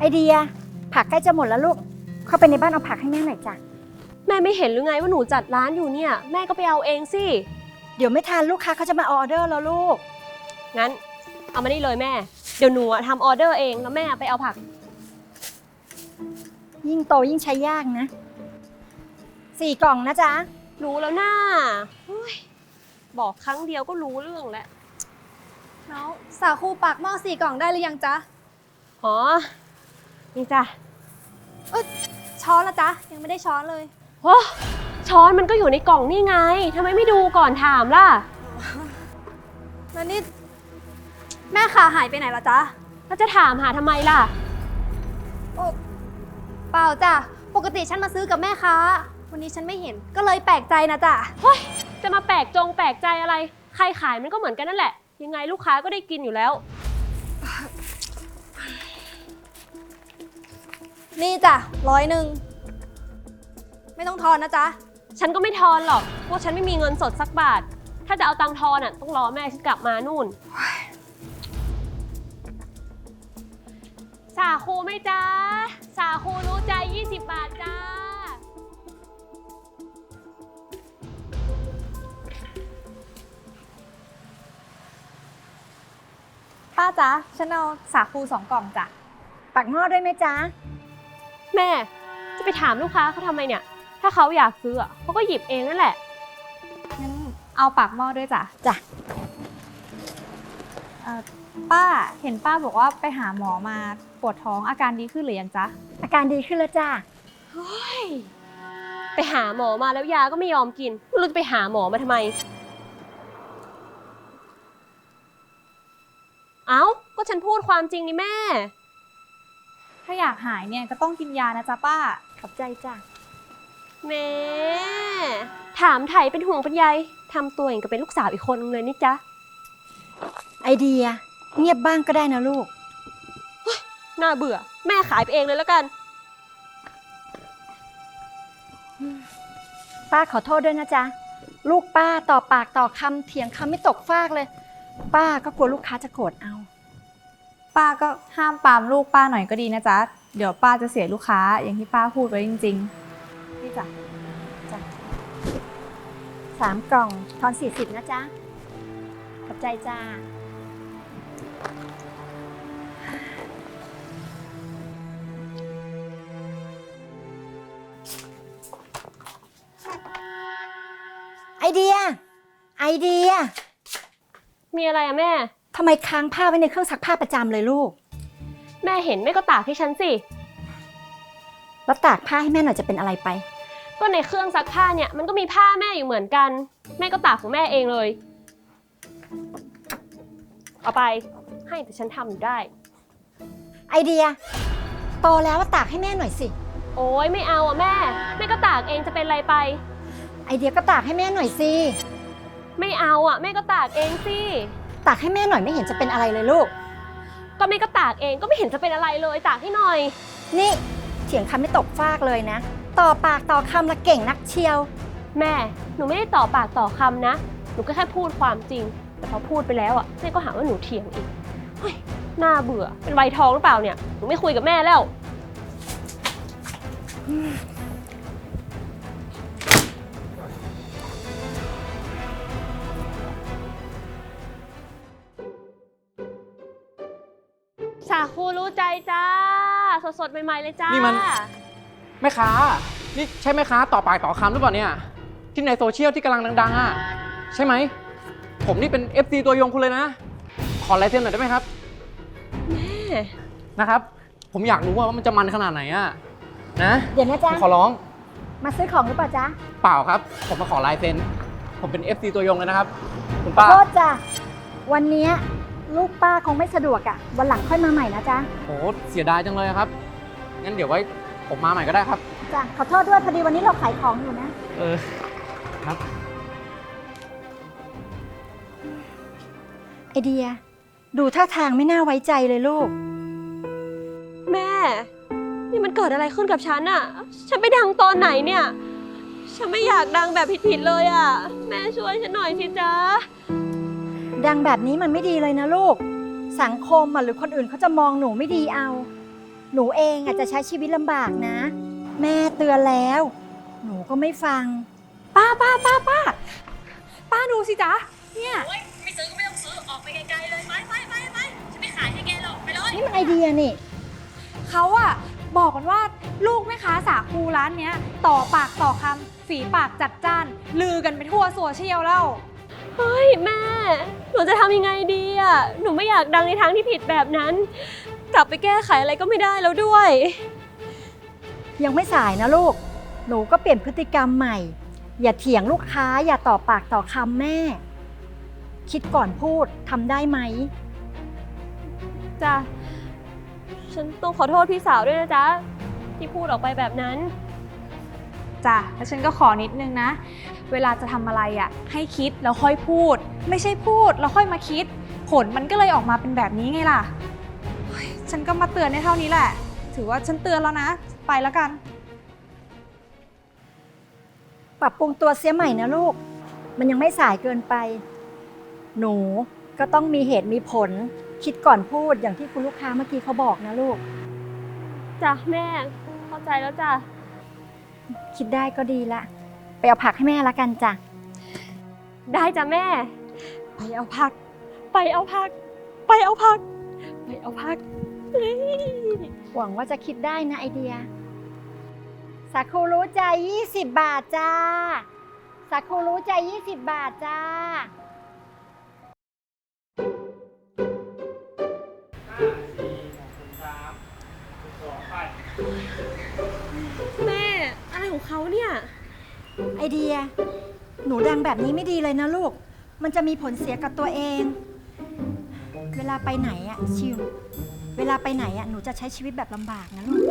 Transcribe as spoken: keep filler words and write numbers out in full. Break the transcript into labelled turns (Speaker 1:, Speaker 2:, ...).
Speaker 1: เดียผักใกล้จะหมดแล้วลูกเข้าไปในบ้านเอาผักให้แม่หน่อยจ้ะ
Speaker 2: แม่ไม่เห็นหรือไงว่าหนูจัดร้านอยู่เนี่ยแม่ก็ไปเอาเองสิ
Speaker 1: เดี๋ยวไม่ทันลูกค้าเขาจะมาออเดอร์แล้วลูก
Speaker 2: งั้นเอามานี่เลยแม่เดี๋ยวหนูทำออเดอร์เองแล้วแม่ไปเอาผัก
Speaker 1: ยิ่งโตยิ่งใช้ยากนะสี่กล่องนะจ๊ะ
Speaker 2: รู้แล้วน่าบอกครั้งเดียวก็รู้เรื่องแล้ว
Speaker 3: น้องสาคูปากหม้อสี่กล่องได้หรือยังจ๊ะ
Speaker 2: อ๋อนี่จ้ะ
Speaker 3: เออช้อนละจ๊ะยังไม่ได้ช้อนเลย
Speaker 2: โอ้ช้อนมันก็อยู่ในกล่องนี่ไงทำไมไม่ดูก่อนถามล่ะ
Speaker 3: แล้วนี่แม่ขาหายไปไหนล่ะจ๊ะ
Speaker 2: แล้วจะถามหาทำไมล่ะ
Speaker 3: โอ้เปล่าจ้ะปกติฉันมาซื้อกับแม่ค้าวันนี้ฉันไม่เห็นก็เลยแปลกใจนะจ๊ะ
Speaker 2: เฮ้ยจะมาแปลกจงแปลกใจอะไรใครขายมันก็เหมือนกันนั่นแหละยังไงลูกค้าก็ได้กินอยู่แล้ว
Speaker 3: นี่จ้ะร้อยหนึ่งไม่ต้องทอนนะจ๊ะ
Speaker 2: ฉันก็ไม่ทอนหรอกเพราะฉันไม่มีเงินสดสักบาทถ้าจะเอาตังค์ทอนอ่ะต้องรอแม่ฉันกลับมานู่นสาคูไหมจ๊ะสาคูรู้ใจยี่สิบบาทจ้า
Speaker 3: ป้าจ๊ะฉันเอาสาคูสองกล่องจ้ะ
Speaker 1: ปักหม้อด้วยไหมจ๊ะ
Speaker 2: แม่จะไปถามลูกค้าเขาทำไมเนี่ยถ้าเขาอยากซื้อเขาก็หยิบเองนั่นแหละ
Speaker 3: งั้นเอาปากหม้อด้วยจ้ะ
Speaker 1: จ้ะ
Speaker 3: ป้าเห็นป้าบอกว่าไปหาหมอมาปวดท้องอาการดีขึ้นหรือยังจ๊ะ
Speaker 1: อาการดีขึ้นแล้วจ้ะ
Speaker 2: เฮ้ยไปหาหมอมาแล้วยาก็ไม่ยอมกินไม่รู้จะไปหาหมอมาทำไมเอ้าก็ฉันพูดความจริงนี่แม่
Speaker 3: ถ้าอยากหายเนี่ยก็ต้องกินยานะจ๊ะป้า
Speaker 1: ขอบใจจ้ะ
Speaker 2: แม่ถามไถ่เป็นห่วงเป็นใยทำตัวอย่างกับเป็นลูกสาวอีกคนนึงเลยนี่จ๊ะ
Speaker 1: ไอเดียเงียบบ้างก็ได้นะลูก
Speaker 2: น่าเบื่อแม่ขายไปเองเลยแล้วกัน
Speaker 1: ป้าขอโทษด้วยนะจ๊ะลูกป้าต่อปากต่อคำเถียงคำไม่ตกฟากเลยป้าก็กลัวลูกค้าจะโกรธเอา
Speaker 3: ป้าก็ห้ามปามลูกป้าหน่อยก็ดีนะจ๊ะเดี๋ยวป้าจะเสียลูกค้าอย่างที่ป้าพูดไว้จริงๆนี่จ้ะ
Speaker 1: จ้ะสามกล่องทอนสี่สิบนะจ๊ะขอบใจจ้าไอเดียไอเดีย
Speaker 2: มีอะไรอะแม่
Speaker 1: ทำไมค้างผ้าไว้ในเครื่องซักผ้าประจำเลยลูก
Speaker 2: แม่เห็นแม่ก็ตากให้ฉันสิ
Speaker 1: แล้วตากผ้าให้แม่หน่อยจะเป็นอะไรไป
Speaker 2: ก็ในเครื่องซักผ้าเนี่ยมันก็มีผ้าแม่อยู่เหมือนกันแม่ก็ตากของแม่เองเลยเอาไปให้แต่ฉันทำอยู่ได้
Speaker 1: ไอเดียโตแล้วตากให้แม่หน่อยสิ
Speaker 2: โอ๊ยไม่เอาอะแม่แม่ก็ตากเองจะเป็นอะไรไป
Speaker 1: ไอเดียก็ตากให้แม่หน่อยสิ
Speaker 2: ไม่เอาอะแม่ก็ตากเองสิ
Speaker 1: ตากให้แม่หน่อยไม่เห็นจะเป็นอะไรเลยลูก
Speaker 2: ก็แม่ก็ตากเองก็ไม่เห็นจะเป็นอะไรเลยตากให้หน่อย
Speaker 1: นี่เถียงคำไม่ตกฟากเลยนะต่อปากต่อคำละเก่งนักเชียว
Speaker 2: แม่หนูไม่ได้ต่อปากต่อคำนะหนูก็แค่พูดความจริงแต่พอพูดไปแล้วอะแม่ก็หาว่าหนูเถียงอีกเฮ้ยน่าเบื่อเป็นวัยทองหรือเปล่าเนี่ยหนูไม่คุยกับแม่แล้วสาคูรู้ใจจ้าสดๆใหม่ๆเลยจ้า
Speaker 4: นี่มันแม่ค้านี่ใช่แม่ค้าต่อปากต่อคำหรือเปล่าเนี่ยที่ในโซเชียลที่กำลังดังๆอ่ะใช่ไหมผมนี่เป็น เอฟ ซี ตัวยงคุณเลยนะขอลายเซ็นหน่อยได้ไหมครับ
Speaker 2: แม่
Speaker 4: นะครับผมอยากรู้ว่ามันจะมันขนาดไหนอ่ะนะ
Speaker 1: เดี๋ยวนะจ๊ะ
Speaker 4: ขอร้อง
Speaker 1: มาซื้อของหรือเปล่าจ๊ะ
Speaker 4: เปล่าครับผมมาขอลายเซ็นผมเป็น เอฟ ซี ตัวยงเลยนะครับคุณป้า
Speaker 1: โทษจ้ะวันนี้ลูกป้าคงไม่สะดวกอ่ะวันหลังค่อยมาใหม่นะจ๊ะ
Speaker 4: โอ้เสียดายจังเลยครับงั้นเดี๋ยวไว้ผมมาใหม่ก็ได้ครับ
Speaker 1: จ้ะขอโทษด้วยพอดีวันนี้เราขายของอยู่นะ
Speaker 4: เออครับ
Speaker 1: ไอเดียดูท่าทางไม่น่าไว้ใจเลยลูก
Speaker 2: แม่นี่มันเกิดอะไรขึ้นกับฉันอะฉันไปดังตอนไหนเนี่ยฉันไม่อยากดังแบบผิดๆเลยอะแม่ช่วยฉันหน่อยสิจ๊ะ
Speaker 1: ดังแบบนี้มันไม่ดีเลยนะลูกสังคมหรือคนอื่นเขาจะมองหนูไม่ดีเอาหนูเองอาจจะใช้ชีวิตลำบากนะ แม่เตือนแล้ว หนูก็ไม่ฟัง
Speaker 3: ป้าป้าป้าป้าป้าดูสิจ๊ะเนี่ย
Speaker 5: โอ๊ยไม่ซื้อก็ไม่ต้องซื้อ ออกไปไกลๆเลย ไปไปไปไปฉันไม่ขายให้แกหรอก ไปเลย
Speaker 1: นี่มันไอเดียนี่
Speaker 3: เขาอะบอกกันว่าลูกแม่ค้าสาคูร้านเนี้ย ต่อปากต่อคำฝีปากจัดจ้าน ลือกันไปทั่วโซเชียลแล้ว
Speaker 2: เฮ้ยแม่ หนูจะทำยังไงดีอะหนูไม่อยากดังในทางที่ผิดแบบนั้น กลับไปแก้ไขอะไรก็ไม่ได้แล้วด้วย
Speaker 1: ยังไม่สายนะลูก หนูก็เปลี่ยนพฤติกรรมใหม่ อย่าเถียงลูกค้า อย่าต่อปากต่อคำแม่ คิดก่อนพูดทำได้ไหม
Speaker 2: จ้ะ ฉันต้องขอโทษพี่สาวด้วยนะจ๊ะ ที่พูดออกไปแบบนั้น
Speaker 3: จ้ะ แล้วฉันก็ขอนิดนึงนะ เวลาจะทำอะไรอะให้คิดแล้วค่อยพูด ไม่ใช่พูดแล้วค่อยมาคิด ผลมันก็เลยออกมาเป็นแบบนี้ไงล่ะเฮ้ยฉันก็มาเตือนในเท่านี้แหละ ถือว่าฉันเตือนแล้วนะ ไปแล้วกัน
Speaker 1: ปรับปรุงตัวเสียใหม่นะลูก มันยังไม่สายเกินไป หนูก็ต้องมีเหตุมีผล คิดก่อนพูดอย่างที่คุณลูกค้าเมื่อกี้เขาบอกนะลูก
Speaker 2: จ้ะแม่ เข้าใจแล้วจ้ะ
Speaker 1: คิดได้ก็ดีละ ไปเอาผักให้แม่ละกันจ้ะ
Speaker 2: ได้จ้ะแม่ ไปเอาผัก ไปเอาผัก ไปเอาผัก ไปเอาผักเฮ้ย
Speaker 1: หวังว่าจะคิดได้นะไอเดีย สาคูรู้ใจยี่สิบบาทจ้า สาคูรู้ใจยี่สิบบาทจ้า
Speaker 2: แม่ อะไรของเขาเนี่ย
Speaker 1: ไอเดีย หนูดังแบบนี้ไม่ดีเลยนะลูก มันจะมีผลเสียกับตัวเอง เวลาไปไหนอะชิว เวลาไปไหนอะหนูจะใช้ชีวิตแบบลำบากนะลูก